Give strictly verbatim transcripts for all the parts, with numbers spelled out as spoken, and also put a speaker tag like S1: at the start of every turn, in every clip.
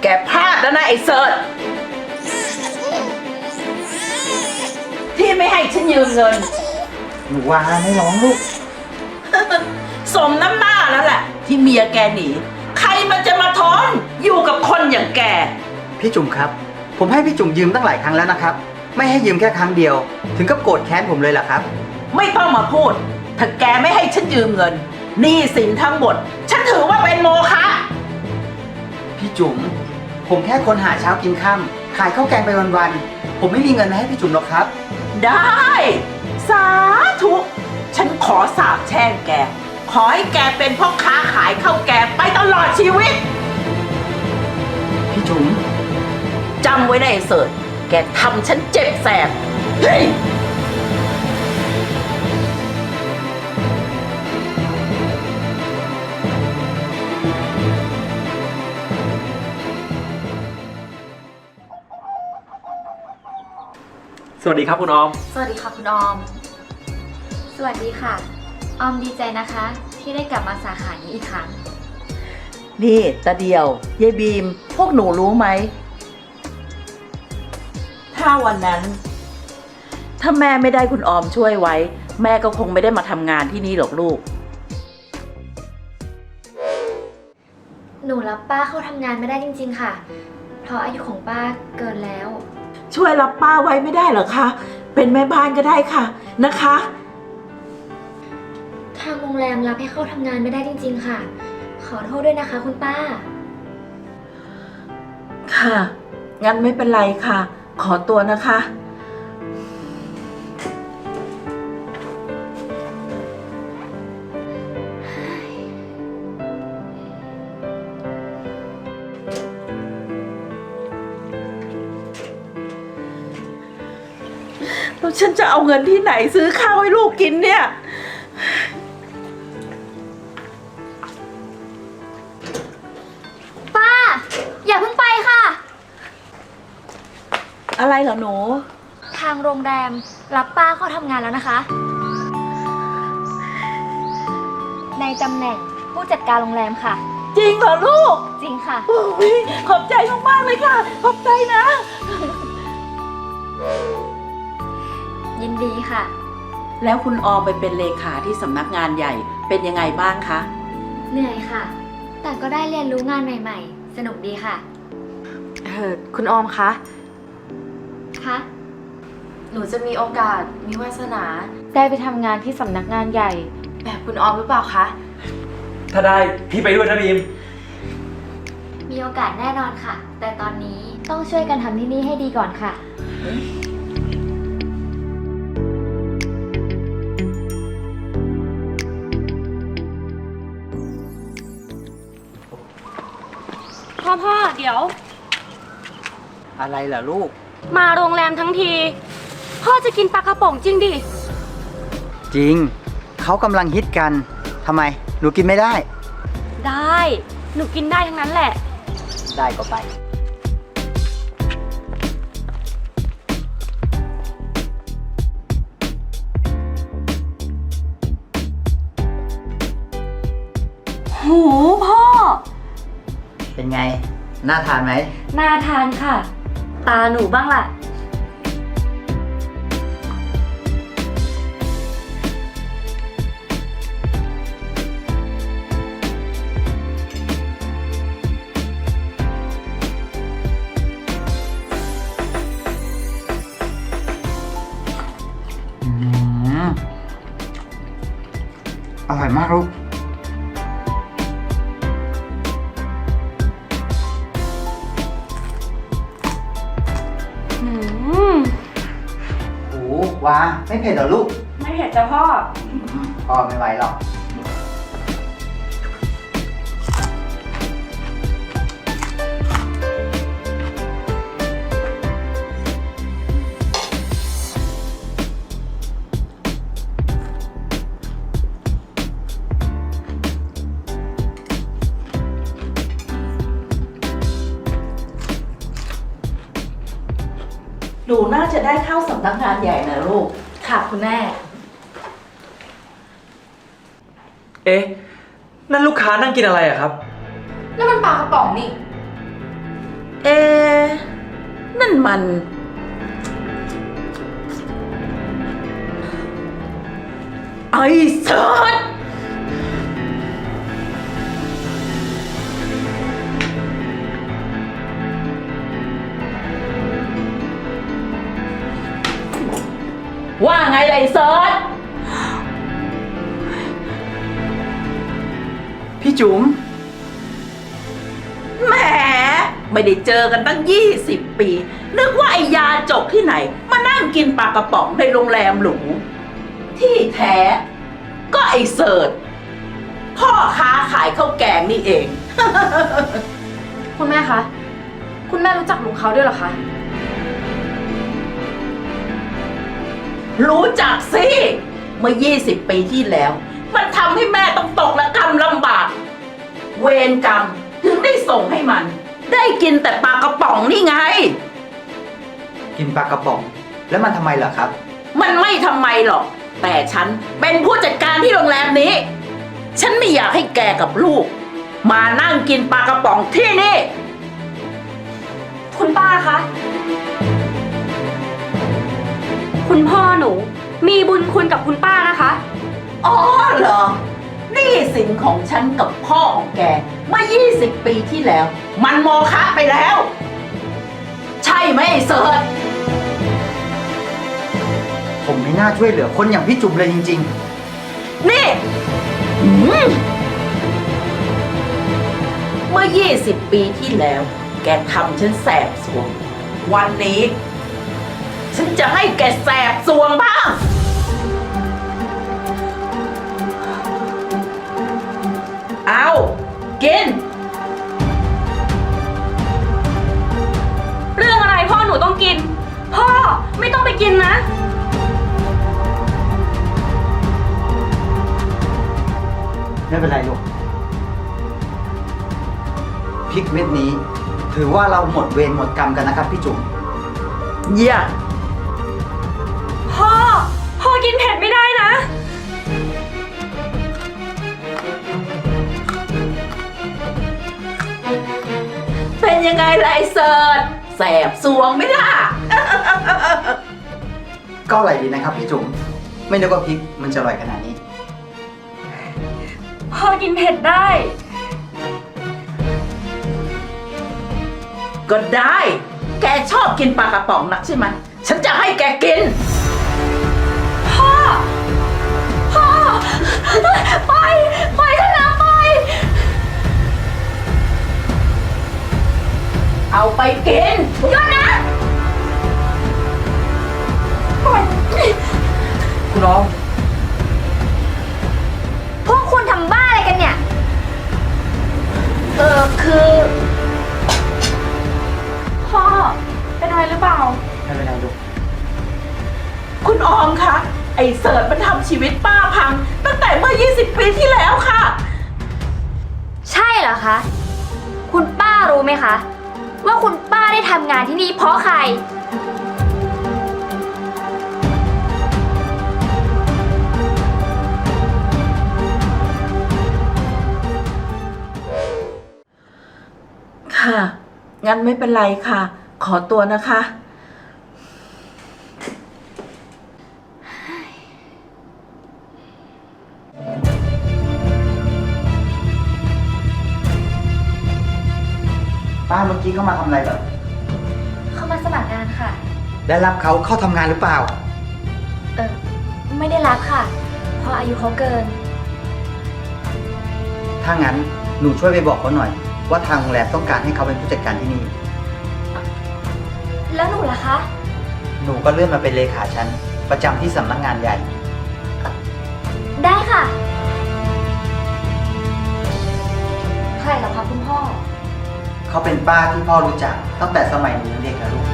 S1: แกพลาดแล้วนะไอ้เสิร์ชที่ไม่ให้ฉันยืมเงิน
S2: หนูวาไม่ร้องลูก
S1: สมน้ำหน้าแล้วแหละที่เมียแกหนีใครมันจะมาทนอยู่กับคนอย่างแก
S2: พี่จุ๋มครับ ผมให้พี่จุ๋มยืมตั้งหลายครั้งแล้วนะครับ ไม่ให้ยืมแค่ครั้งเดียว ถึงกับโกรธแค้นผมเลยเหรอครับ
S1: ไม่ต้องมาพูด ถ้าแกไม่ให้ฉันยืมเงินหนี้สินทั้งหมด ฉันถือว่าเป็นโมฆะ
S2: พี่จุ๋มผมแค่คนหาเช้ากินค่ำขายข้าวแกงไปวันๆผมไม่มีเงินมาให้พี่จุ๋มหรอกครับ
S1: ได้ สาธุ ฉันขอสาบแช่งแก ขอให้แกเป็นพ่อค้าขายข้าวแกงไปตลอดชีวิต
S2: พี่จุ๋ม
S1: จำไว้นะไอ้เสิร์ชแกทำฉันเจ็บแสบ เฮ้ย
S3: สวัสดีครับคุณออม
S4: สวัสดีค่ะคุณออม สวัสดีค่ะ ออมดีใจนะคะ ที่ได้กลับมาสาขานี้อีกครั้ง
S1: นี่ตาเดียวยายบีม พวกหนูรู้ไหม ถ้าวันนั้น ถ้าแม่ไม่ได้คุณออมช่วยไว้ แม่ก็คงไม่ได้มาทำงานที่นี่หรอกลูก
S4: หนูรับป้าเข้าทำงานไม่ได้จริงๆค่ะ เพราะอายุของป้าเกินแล้ว
S1: ช่วยรับป้าไว้ไม่ได้เหรอคะ เป็นแม่บ้านก็ได้ค่ะนะคะ
S4: ทางโรงแรมรับให้เข้าทำงานไม่ได้จริงๆค่ะ ขอโทษด้วยนะคะคุณป้า
S1: ค่ะ งั้นไม่เป็นไรค่ะ ขอตัวนะคะ แล้วฉันจะเอาเงินที่ไหนซื้อข้าวให้ลูกกินเนี่ย
S4: ป้า อย่าเพิ่งไปค่ะ
S1: อะไรเหรอหนู
S4: ทางโรงแรมรับป้าเข้าทำงานแล้วนะคะ ในตำแหน่งผู้จัดการโรงแรมค่ะ
S1: จริงเหรอลูก
S4: จริงค่ะ
S1: โอ้ยขอบใจมากๆเลยค่ะ ขอบใจนะ
S4: ยินดีค่ะ
S1: แล้วคุณออมไปเป็นเลขาที่สำนักงานใหญ่เป็นยังไงบ้างคะ
S4: เหนื่อยค่ะ แต่ก็ได้เรียนรู้งานใหม่ๆ สนุกดีค่ะ
S5: เออคุณออมคะ
S4: คะ
S5: หนูจะมีโอกาส มีวาสนา ได้ไปทำงานที่สำนักงานใหญ่ แบบคุณออมหรือเปล่าคะ
S3: ถ้าได้พี่ไปด้วยนะบีม
S4: มีโอกาสแน่นอนค่ะ แต่ตอนนี้ต้องช่วยกันทำที่นี่ให้ดีก่อนค่ะ
S6: พ่อพ่อเดี๋ยว
S2: อะไรเหรอลูก
S6: มาโรงแรมทั้งที พ่อจะกินปลากระป๋องจริงดิ
S2: จริง เขากำลังฮิตกันทำไม หนูกินไม่ได้
S6: ได้ หนูกินได้ทั้งนั้นแหละ
S2: ได้ก็ไป
S6: หูพ่อ
S2: เป็นไง น่าทานไหม
S6: น่าทานค่ะ ตาหนูบ้างล่ะ
S2: อืมอร่อยมากลูก
S6: อืม
S2: โอ้ว้าไม่เผ็ดเหรอลูก
S6: ไม่เผ็ดจ้ะพ่อ
S2: อืมพ่อไม่ไหวหรอก
S1: หนูน่าจะได้เข้าสำนักงานใหญ่นะลูก
S5: ค่ะคุณแม่
S3: เอ๊ะ นั่นลูกค้านั่งกินอะไรอะครับ
S5: แล้วมันปลากระป๋องนี่
S1: นั่นมัน ไอ้เสิร์ชว่าไงล่ะไอ้เสิร์ช
S2: พี่จุ๋ม
S1: แหมไม่ได้เจอกันตั้งยี่สิบปี นึกว่าไอ้ยาจกที่ไหน มานั่งกินปลากระป๋องในโรงแรมหรู ที่แท้ ก็ไอ้เสิร์ชพ่อค้าขายข้าวแกงนี่เอง
S5: คุณแม่คะ คุณแม่รู้จักลุงเขาด้วยเหรอคะ
S1: รู้จักสิ เมื่อยี่สิบปีที่แล้ว มันทำให้แม่ต้องตกระกำลำบาก เวรกรรมถึงได้ส่งให้มัน ได้กินแต่ปลากระป๋องนี่ไง
S2: กินปลากระป๋อง แล้วมันทำไมเหรอครับ
S1: มันไม่ทำไมหรอก แต่ฉันเป็นผู้จัดการที่โรงแรมนี้ ฉันไม่อยากให้แกกับลูก มานั่งกินปลากระป๋องที่นี่
S6: คุณป้าคะ คุณพ่อหนู มีบุญคุณกับคุณป้านะคะ
S1: อ๋อเหรอหนี่สินของฉันกับพ่อของแกเมื่อยี่สิบปีที่แล้ว มันโมฆะไปแล้ว ใช่ไหมไอ้เสิร์ช
S2: ผมไม่น่าช่วยเหลือคนอย่างพี่จุ๋มเลยจริง
S1: นี่หืมเมื่อยี่สิบปีที่แล้ว แกทำฉันแสบสวง วันนี้ ฉันจะให้แกแสบสวงบ้าง เอากิน
S6: เรื่องอะไรพ่อหนูต้องกิน พ่อไม่ต้องไปกินนะ
S2: ๆ ไม่เป็นไรลูกพริกเม็ดนี้ ถือว่าเราหมดเวรหมดกรรมกันนะครับพี่จุ๋ม
S1: อย่า
S6: พ่อ พ่อกินเผ็ดไม่ได้นะ
S1: เป็นยังไงล่ะไอ้เสิร์ชแสบสวงไหม่ล่ะ
S2: ก็อร่อยดีนะครับพี่จุ๋ม ไม่นึกว่าพริกมันจะอร่อยขนาดนี้
S6: พ่อกินเผ็ดได้
S1: ก็ได้ แกชอบกินปลากระป๋องนักใช่ไหม ฉันจะให้แกกิน
S6: พ่อ พ่อ ไป ไปเถอะนะไป
S1: เอาไปกิน
S6: หยุดนะ
S3: คุณออม
S4: พวกคุณทำบ้าอะไรกันเนี่ย
S1: เออคือ
S5: พ่อ เป็นอะไรหรือเปล่า
S2: ไม่เป็นไรลูก
S1: คุณออมคะ ไอ้เสิร์ชมันทำชีวิตป้าพัง ตั้งแต่เมื่อยี่สิบปีที่แล้วค่ะ
S4: ใช่เหรอคะ คุณป้ารู้ไหมคะ ว่าคุณป้าได้ทำงานที่นี่เพราะใคร
S1: ค่ะ งั้นไม่เป็นไรค่ะ ขอตัวนะคะ
S2: ป้าเมื่อกี้เข้ามาทำอะไรเหรอ
S4: เข้ามาสมัครงานค่ะ
S2: ได้รับเขาเข้าทำงานหรือเปล่า
S4: เออไม่ได้รับค่ะ เพราะอายุเขาเกิน
S2: ถ้างั้นหนูช่วยไปบอกเขาหน่อย ว่าทางโรงแรมต้องการให้เขาเป็นผู้จัดการที่นี่
S4: แล้วหนูล่ะคะ
S2: หนูก็เลื่อนมาเป็นเลขาฉันประจำที่สำนักงานใหญ่
S4: ได้ค่ะ ใครเหรอคะคุณพ่อ
S2: เขาเป็นป้าที่พ่อรู้จักตั้งแต่สมัยหนูยังเด็กนะลูก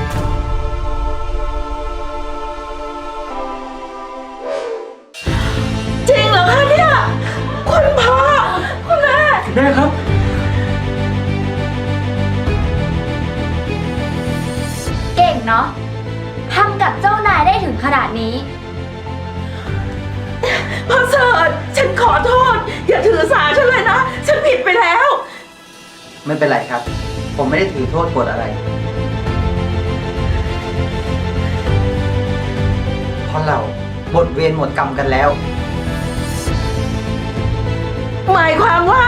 S1: จริงเหรอคะเนี่ย คุณพ่อ คุณแม่
S3: แม่ครับ
S4: เก่งเนาะทำกับเจ้านายได้ถึงขนาดนี้
S1: พ่อเสิร์ชฉันขอโทษ อย่าถือสาฉันเลยนะ ฉันผิดไปแล้ว
S2: ไม่เป็นไรครับ ผมไม่ได้ถือโทษโกรธอะไรเพราะเราหมดเวรหมดกรรมกันแล้ว
S1: หมายความว่า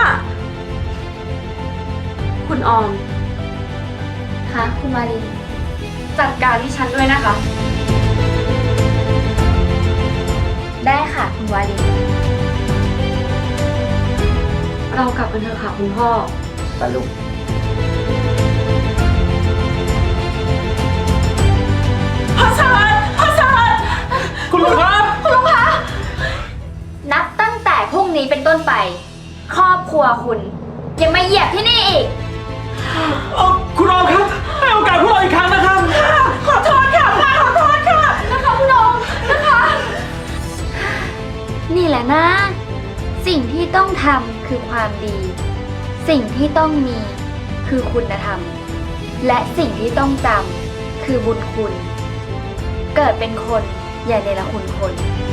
S6: คุณออม
S4: คะคุณวาลี
S6: จัดการที่ฉันด้วยนะคะ
S4: ได้ค่ะคุณวาลี
S6: เรากลับกันเถอะค่ะคุณพ่อ
S2: ไปลูก
S1: พ่อเสิร์ชพ่อเสิร์ช
S3: คุณลุงครับ
S4: นับตั้งแต่พรุ่งนี้เป็นต้นไป ครอบครัวคุณยังไม่เหยียบที่นี่อีก
S3: เอ่อคุณออมครับ ให้โอกาสพวกเราอีกครั้งนะครับ
S1: ขอโทษค่ะป้าขอโทษค่ะ
S4: นะคะคุณอมนะคะ นี่แหละนะ สิ่งที่ต้องทำคือความดี สิ่งที่ต้องมีคือคุณธรรม และสิ่งที่ต้องจำคือบุญคุณ เกิดเป็นคนอย่าเนรคุณคน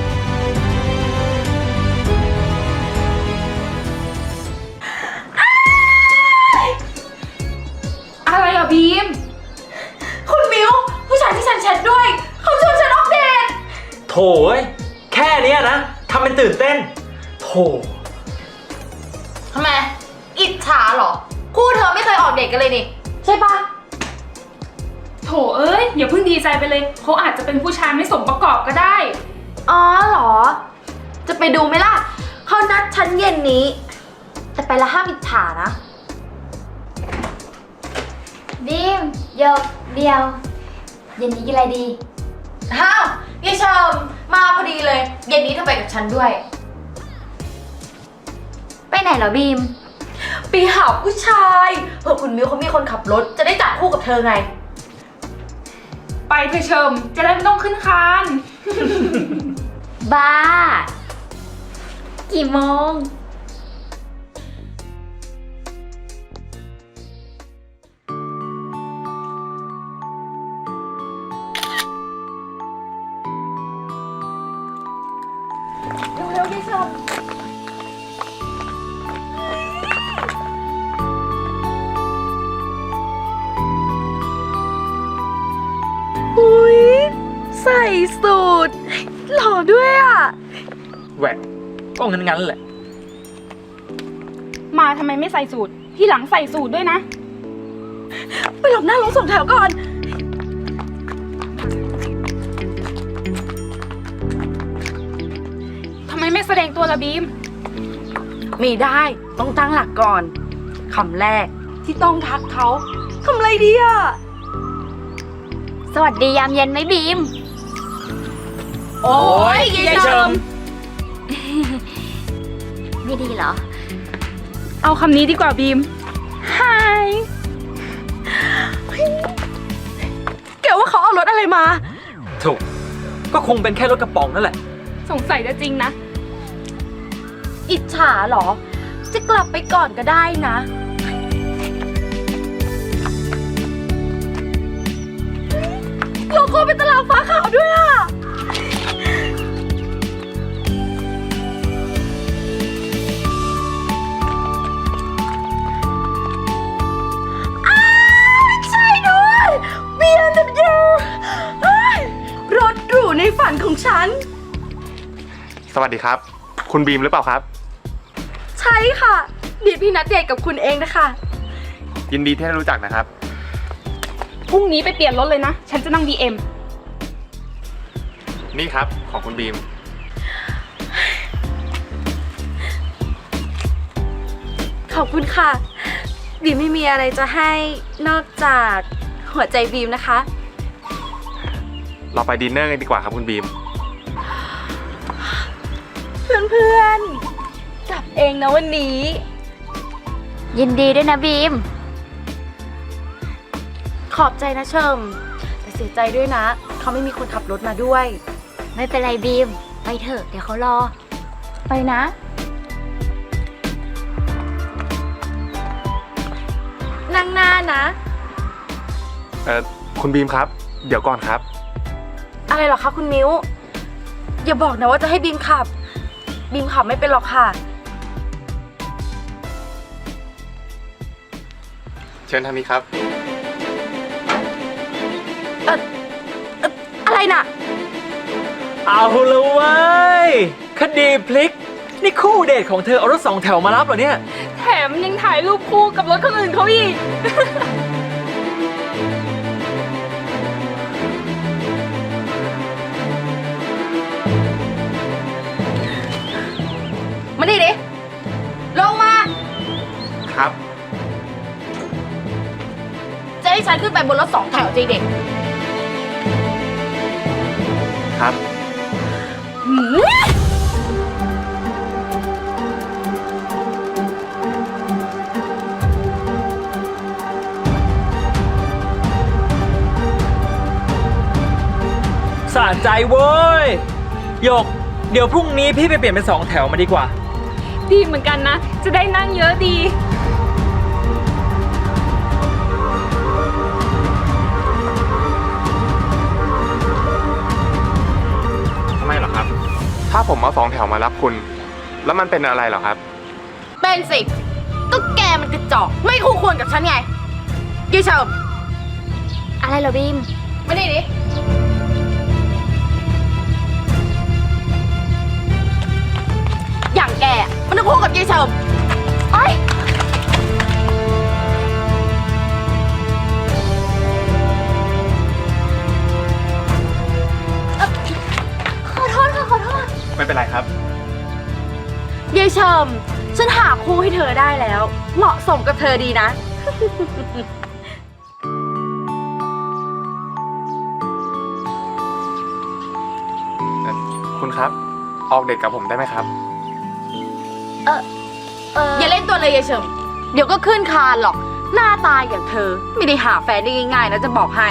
S6: อะไรอะบีม คุณมิวผู้ชายที่ฉันแชทด้วย เขาชวนฉันออกเดท
S3: โถยแค่เนี้ยนะทำเป็นตื่นเต้น โถ
S5: ทำไม อิจฉาเหรอ คู่เธอไม่เคยออกเดทกันเลยนี่ ใช่ปะ
S6: โถเอ้ยอย่าเพิ่งดีใจไปเลย เขาอาจจะเป็นผู้ชายไม่สมประกอบก็ได้
S5: อ๋อเหรอ จะไปดูไหมล่ะ เขานัดฉันเย็นนี้ แต่ไปละห้ามอิจฉานะ
S4: บีมโยกเดียว เย็นนี้กินอะไรดี
S5: อ้าวยี่เชมมาพอดีเลย เย็นนี้เธอไปกับฉันด้วย
S4: ไปไหนเหรอบีม
S5: ไปหาผู้ชายเผื่อคุณมิวเขามีคนขับรถ จะได้จับคู่กับเธอไง
S6: ไปเธอเชิมจะได้ไม่ต้องขึ้นคาน
S4: บ้า กี่โมง เร็วๆดิชม
S6: อุ้ยใส่สูทหล่อด้วยอ่ะ
S3: แหวกก็งั้นงั้นๆแหละ
S6: มาทำไมไม่ใส่สูทที่หลังใส่สูทด้วยนะ ไปหลบหน้ารถส่งแถวก่อน ทำไมไม่แสดงตัวละบีม
S5: ไม่ได้ต้องตั้งหลักก่อนคำแรกที่ต้องทักเขาคำอะไรดีอ่ะ
S4: สวัสดียามเย็นไหมบีม
S6: โอ้ย
S3: ยายเชิม
S4: ไม่ดีเหรอ
S6: เอาคำนี้ดีกว่าบีม Hi แกว่าเขาเอารถอะไรมา
S3: ถูก ก็คงเป็นแค่รถกระป๋องนั่นแหละ
S6: สงสัยจะจริงนะ
S5: อิจฉาเหรอ จะกลับไปก่อนก็ได้นะโลโก้เป็นตารางฟ้าขาวด้วยอ่ะ
S6: ใช่ด้วย บี เอ็ม ดับเบิลยู เฮ้ยรถหรูในฝันของฉัน
S7: สวัสดีครับ คุณบีมหรือเปล่าครับ
S6: ใช่ค่ะบีมพี่นัดเดทกับคุณเองนะคะ
S7: ยินดีที่ได้รู้จักนะครับ
S6: พรุ่งนี้ไปเปลี่ยนรถเลยนะ ฉันจะนั่ง บี เอ็ม
S7: นี่ครับของคุณบีม
S6: ขอบคุณค่ะ บีมไม่มีอะไรจะให้นอกจากหัวใจบีมนะคะ
S7: เราไปดินเนอร์กันดีกว่าครับคุณบีม
S6: เพื่อนๆ กลับเองนะวันนี้
S4: ยินดีด้วยนะบีม
S5: ขอบใจนะเชิมแต่เสียใจด้วยนะ เขาไม่มีคนขับรถมาด้วย
S4: ไม่เป็นไรบีม ไปเถอะ เดี๋ยวเขารอ
S5: ไปนะ
S6: นั่งหน้านะ
S7: เอ่อ คุณบีมครับ เดี๋ยวก่อนครับ
S5: อะไรเหรอคะคุณมิ้ว อย่าบอกนะว่าจะให้บีมขับ บีมขับไม่เป็นหรอกค่ะ
S7: เชิญทางนี้ครับ
S5: อะไรน่ะ
S3: เอาละเว้ย คดีพลิก นี่คู่เดทของเธอเอารถสองแถวมารับเหรอเนี่ย
S6: แถมยังถ่ายรูปคู่กับรถคนอื่นเขาอีก
S5: มาดิดิ ลงมา
S7: ครับ
S5: จะให้ฉันขึ้นไปบนรถสองแถวจริงเด็ก
S7: ครับ
S3: สะใจเว้ยหยก เดี๋ยวพรุ่งนี้พี่ไปเปลี่ยนเป็นสองแถวมาดีกว่า
S6: ดีเหมือนกันนะ จะได้นั่งเยอะดี
S7: ทำไมเหรอครับ ถ้าผมเอาสองแถวมารับคุณ แล้วมันเป็นอะไรเหรอครับ
S5: เป็นสิ ก็แกมันกระจอก ไม่คู่ควรกับฉันไงยี่เฉิม
S4: อะไรเหรอบีม
S5: มาดิดิ อย่างแกมันต้องคู่กับยี่เฉิมไอ้ย
S4: ขอโทษค่ะ ขอโทษ
S7: ไม่เป็นไรครับ
S5: ยี่เฉิมฉันหาคู่ให้เธอได้แล้ว เหมาะสมกับเธอดีนะ
S7: คุณครับ ออกเดทกับผมได้ไหมครับ
S4: เออ
S5: อย่าเล่นตัวเลยยายเฉิมเดี๋ยวก็ขึ้นคานหรอก หน้าตายอย่างเธอ ไม่ได้หาแฟนได้ง่ายๆนะจะบอกให้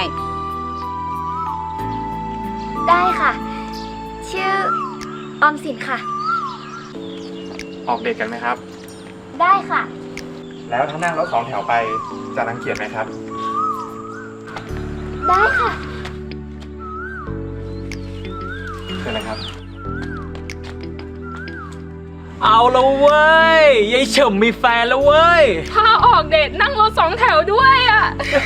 S4: ได้ค่ะ ชื่อออมสินค่ะ
S7: ออกเดทกันไหมครับ
S4: ได้ค่ะ
S7: แล้วถ้านั่งรถสองแถวไปจะรังเกียจไหมครับ
S4: ได้ค่ะ
S7: เชิญเลยครับ
S3: เอาละเว้ยยายเฉิมมีแฟนแล้วเว้ย
S6: พาออกเดทนั่งรถสองแถวด้วยอ่ะ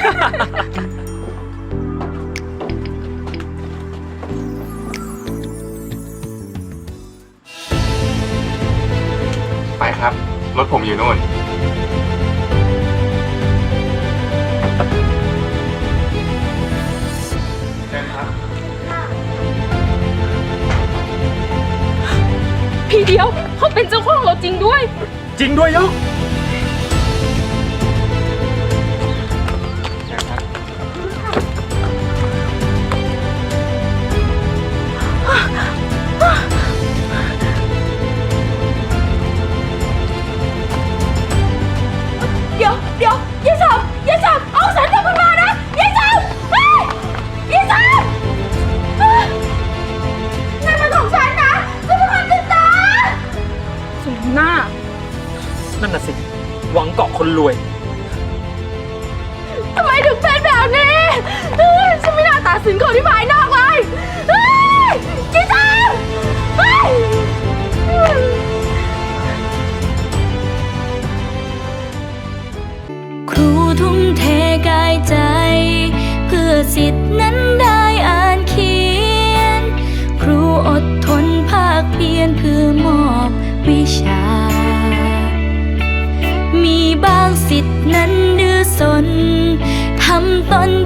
S7: ไปครับ รถผมอยู่นู่น เชิญครับ
S6: พี่เดียวเขาเป็นเจ้าของรถจริงด้วย
S3: จริงด้วยยก
S7: เชิญครับ
S5: เดี๋ยวเดี๋ยวยายเฉิมยายเฉิมเอาฉันกลับขึ้นมานะยายเฉิมเฮ้ยยายเฉิมเฮ้ยนั่นมันของฉันนะฉันเป็นคนติดตาม
S6: สมหน้า
S3: นั่นน่ะสิ หวังเกาะคนรวย
S5: ทำไมถึงเป็นแบบนี้เฮ้ยฉันไม่น่าตัดสินคนที่ภายนอกเลยเฮ้ยยายเฉิมเฮ้ย
S8: ครูทุ่มเทกายใจ เพื่อสิทธินั้นได้อ่านเขียน ครูอดทนภาคเพียรเพื่อมอบวิชา มีบางสิทธินั้นดื้อสนทำตน